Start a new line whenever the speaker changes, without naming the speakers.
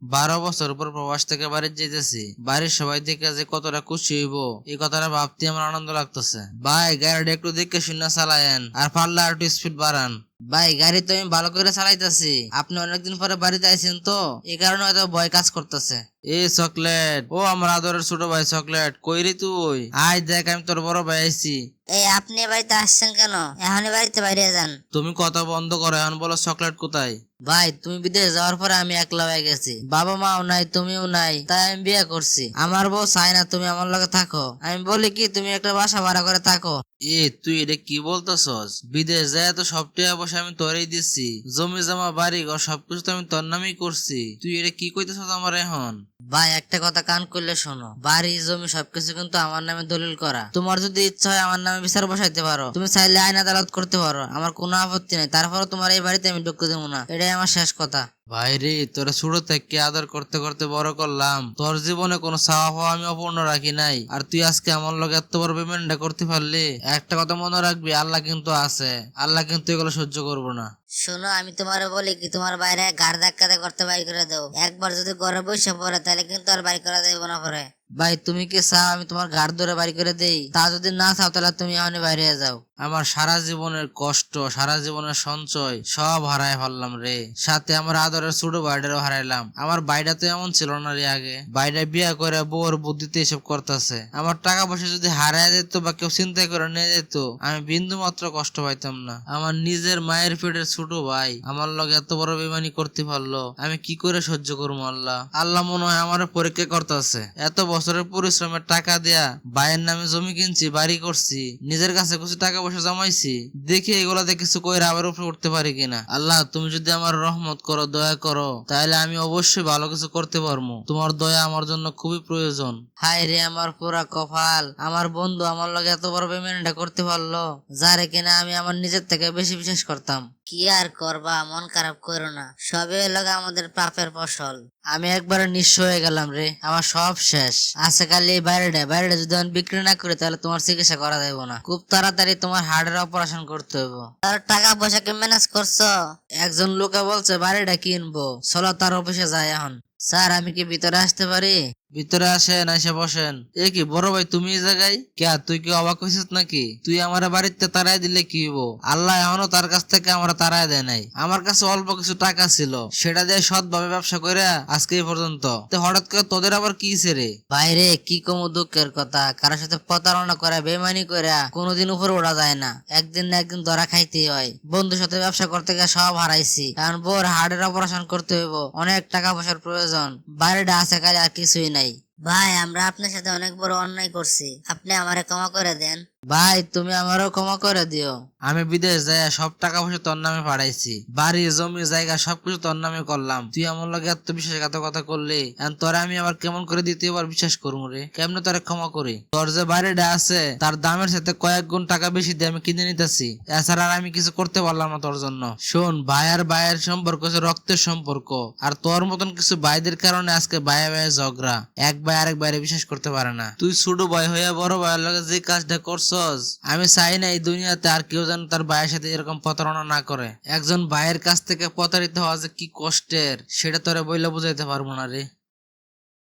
12 বছর পর প্রবাস থেকে বাড়ি যেতেছি, বাড়ির সবাই দেখে যে কতটা খুশি হইব এই কথাটা ভাবতে আমার আনন্দ লাগতেছে। ভাই গাড়িটা একটু দেখে শুনে চালায়েন, আর পারলে আর একটু স্পিড বাড়ান। ভাই গাড়ি তো আমি ভালো করে চালাইতেছি, আপনি অনেকদিন পরে বাড়িতে আইছেন তো এই কারণে হয়তো ভয় কাজ করতেছে। এ চকলেট, ও আমার আদরের ছোট ভাই চকলেট, কই রে তুই? আয় দেখ আমি তোর বড় ভাই আইছি।
এই আপনি এ বাড়িতে আসছেন কেন? এখনই বাড়িতে বাইরে যান।
তুমি কথা বন্ধ করো, এখন বলো চকলেট কোথায়?
ভাই তুমি বিদেশ যাওয়ার পরে আমি একলা হয়ে গেছি, বাবা মাও নাই তুমিও নাই, তাই আমি বিয়ে করছি। আমার বউ চায় না তুমি আমার লগে থাকো, আমি বলি কি তুমি একটা বাসা ভাড়া করে থাকো।
এ তুই এটা কি বলতেছস? বিদেশ যায় তো সব টাকা পয়সা আমি তোরেই দিচ্ছি, জমি জমা বাড়ি ঘর সবকিছু তো আমি তোর নামেই করছি, তুই এটা কি কইতেছস আমার এখন?
ভাই একটা কথা কান করলে শোনো, বাড়ি জমি সবকিছু কিন্তু আমার নামে দলিল করা। তোমার যদি ইচ্ছা হয় আমার নামে বিচার বসাইতে পারো, তুমি চাইলে আইন আদালত করতে পারো, আমার কোনো আপত্তি নেই। তারপরে তোমার এই বাড়িতে আমি ঢুকতে দেবো না, এটাই আমার শেষ কথা।
ভাই রে, তোরা ছোট থেকে আদর করতে করতে বড় করলাম, তোর জীবনে কোনো চাওয়া পাওয়া আমি অপূর্ণ রাখি নাই, আর তুই আজকে আমার লগে এত বড় পেমেন্টটা করতে পারলি। একটা কথা মনে রাখবি, আল্লাহ কিন্তু আছে, আল্লাহ কিন্তু এগুলো সহ্য করবো না।
শোনো আমি তোমারে বলি কি, তোমার বাইরে গাড় ধাক্কাতে করতে বাড়ি করে দাও। একবার যদি ঘরে বসে পড়ে তাহলে কিন্তু আর বাড়ি করা যাবে না পরে। ভাই তুমি কি চাও আমি তোমার গাড় ধরে বাড়ি করে দেই? তা যদি না চাও তাহলে তুমি এখনই বাইরে যাও।
আমার সারা জীবনের কষ্ট, সারা জীবনের সঞ্চয় সব হারায় ফেললাম রে, সাথে আমার আদরের ছোট ভাইটারও হারাইলাম। আমার ভাইটা তো এমন ছিল না রে আগে, ভাইটা বিয়া করে বউর বুদ্ধিতে এসব করতেছে। আমার টাকা পয়সা যদি হারায় যেত বা কেউ চিন্তা করে নিয়ে যেত, আমি বিন্দু মাত্র কষ্ট পাইতাম না। আমার নিজের মায়ের পেটের ছোট ভাই আমার লগে এত বড় বেমানি করতে পারলো, আমি কি করে সহ্য করবো? আল্লাহ আল্লাহ মনে হয় আমার পরীক্ষা করতেছে। এত বছরের পরিশ্রমের টাকা দেয়া ভাইয়ের নামে জমি কিনছি, বাড়ি করছি, নিজের কাছে কিছু টাকা পয়সা জমাইছি, দেখি এগুলাতে কিছু কইরা আবার উপরে উঠতে পারি কিনা। আল্লাহ তুমি যদি আমার রহমত করো, দয়া করো, তাহলে আমি অবশ্যই ভালো কিছু করতে পারবো। তোমার দয়া আমার জন্য খুবই প্রয়োজন।
হায় রে আমার পুরা কপাল, আমার বন্ধু আমার লগে এত বড় পেমেন্টটা করতে পারলো, যারে কিনা আমি আমার নিজের থেকে বেশি বিশ্বাস করতাম। কি আর করবা, মন খারাপ করো না, সবে লগে আমাদের পাপের ফসল। আমি একবারে নিঃস্ব হয়ে গেলাম রে, আমার সব শেষ। আছে খালি এই বাইরেটা যদি আমি বিক্রি না করি তাহলে তোমার চিকিৎসা করা যাবে না। খুব তাড়াতাড়ি তোমার হার্টের অপারেশন করতে হবে। তার টাকা পয়সা কি ম্যানেজ করছো? একজন লোকে বলছে বাড়িটা কিনবো, চলো তার অফিসে যাই এখন। স্যার আমি কি ভিতরে আসতে পারি?
ভিতরে আসেন, এসে বসেন। এ কি বড় ভাই, তুমি এই জায়গায় কে? তুই কি অবাক হয়েছিস নাকি? তুই আমার বাড়িতে তাড়াই দিলে কি হবো? আল্লাহ এখনো তার কাছ থেকে আমরা তাড়াই দেয় নাই। আমার কাছে অল্প কিছু টাকা ছিল, সেটা দিয়ে সৎভাবে ব্যবসা করে আজকে এই পর্যন্ত। হঠাৎ করে তোদের আবার কি রে?
বাইরে কি কম দুঃখের কথা, কারোর সাথে প্রতারণা করা, বেমানি করা কোনোদিন উপরে ওঠা যায় না, একদিন না একদিন ধরা খাইতেই হয়। বন্ধুর সাথে ব্যবসা করতে গিয়ে সব হারাইছি, কারণ বোর হার্টের অপারেশন করতে হইব, অনেক টাকা পয়সার প্রয়োজন। বাইরেটা আছে কাজে আর কিছুই নাই। ভাই আমরা আপনার সাথে অনেক বড় অন্যায় করছি, আপনি আমারে ক্ষমা করে দেন। ভাই তুমি আমারও ক্ষমা করে দিও।
আমি বিদেশ যাই সব টাকা পয়সা তোর নামে পাঠাইছি, বাড়ি জমি জায়গা সবকিছু তোর নামে করলাম, তুই আমার লগে এত বিশ্বাসঘাতকতা করলি, এখন তোরে আমি আবার কেমন করে দ্বিতীয়বার বিশ্বাস করবো রে? কেমনে তোরে ক্ষমা করি? তোর যে বাড়িটা আছে তার দামের সাথে কয়েক গুণ টাকা বেশি দিয়ে আমি কিনে নিতেছি, এছাড়া আর আমি কিছু করতে পারলাম না তোর জন্য। শোন, ভাই আর ভাইয়ের সম্পর্ক হচ্ছে রক্তের সম্পর্ক, আর তোর মতন কিছু ভাইদের কারণে আজকে ভাইয়ে ভাইয়ে ঝগড়া, এক ভাই আরেক ভাইরে বিশ্বাস করতে পারে না। তুই ছোট ভাই হইয়া বড় ভাইয়ের লগে যে কাজটা করছস, আমি চাই না এই দুনিয়াতে আর কেউ যেন তার ভাইয়ের সাথে এরকম প্রতারণা না করে। একজন ভাইয়ের কাছ থেকে প্রতারিত হওয়া যে কি কষ্টের, সেটা তোরে বইলে বুঝাইতে পারবো না রে।